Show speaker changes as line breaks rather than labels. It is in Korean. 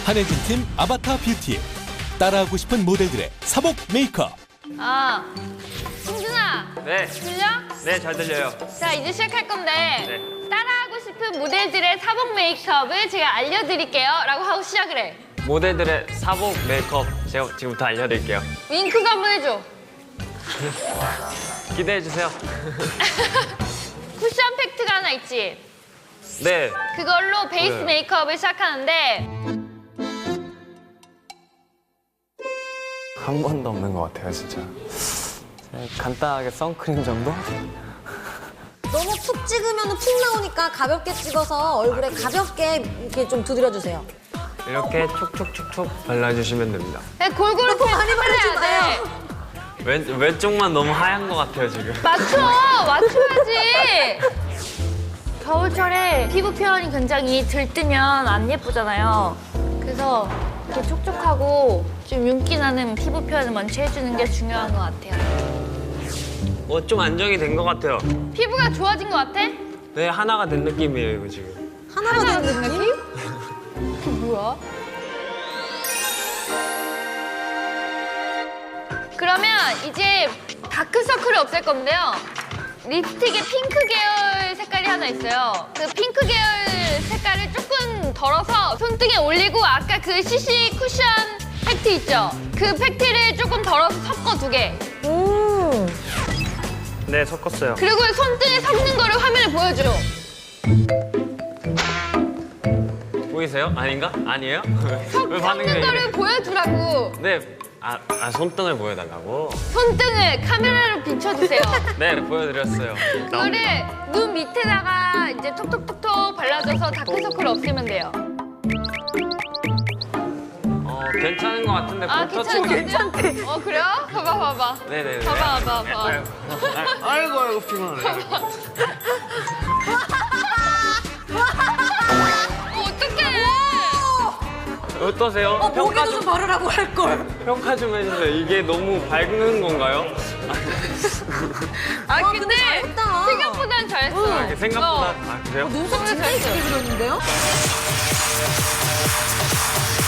한혜진 팀 아바타 뷰티. 따라하고 싶은 모델들의 사복 메이크업.
승준아.
네.
들려?
네, 잘 들려요.
자, 이제 시작할 건데
네.
따라하고 싶은 모델들의 사복 메이크업을 제가 알려드릴게요 라고 하고 시작을 해.
모델들의 사복 메이크업 제가 지금부터 알려드릴게요.
윙크도 한번 해줘.
기대해주세요.
쿠션 팩트가 하나 있지?
네.
그걸로 베이스
네.
메이크업을 시작하는데
한 번도 없는 것 같아요, 진짜. 간단하게 선크림 정도?
너무 푹 찍으면 푹 나오니까 가볍게 찍어서 얼굴에 가볍게 이렇게 좀 두드려주세요.
이렇게 촉촉촉촉 발라주시면 됩니다.
골고루
많이 바르지
발라야 돼.
왼쪽만 너무 하얀 것 같아요, 지금.
맞춰야지. 겨울철에 피부 표현이 굉장히 들뜨면 안 예쁘잖아요. 그래서 이렇게 촉촉하고 좀 윤기 나는 피부 표현을 먼저 해주는 게 중요한 것 같아요.
좀 안정이 된 것 같아요.
피부가 좋아진 것 같아?
네, 하나가 된 느낌이에요, 이거 지금.
하나가 된 느낌?
그게 뭐야? 그러면 이제 다크서클을 없앨 건데요. 립스틱에 핑크 계열 색깔이 하나 있어요. 그 핑크 계열 색깔을 조금 덜어서 손등에 올리고 아까 그 CC 쿠션 팩트 있죠? 그 팩트를 조금 덜어서 섞어 2개.
네, 섞었어요.
그리고 손등에 섞는 거를 화면에 보여줘.
보이세요? 아닌가? 아니에요? 왜 반응이 왜
섞는 거를
이래?
보여주라고.
네. 손등을 보여달라고?
손등을 카메라로 비춰주세요.
네, 보여드렸어요.
그거를 눈 밑에다가 이제 톡톡톡톡 발라줘서 다크서클 없애면 돼요.
괜찮은 것 같은데.
괜찮대. 그래요? 봐봐.
네네네.
봐봐.
아이고, 피곤하네.
어떡해.
어떠세요?
목에도 좀 바르라고 할걸.
평가 좀 해주세요. 이게 너무 밝은 건가요?
근데
잘했다.
생각보단 잘했어.
생각보다. 그래요?
눈썹 진짜 예쁘게 그렸는데요?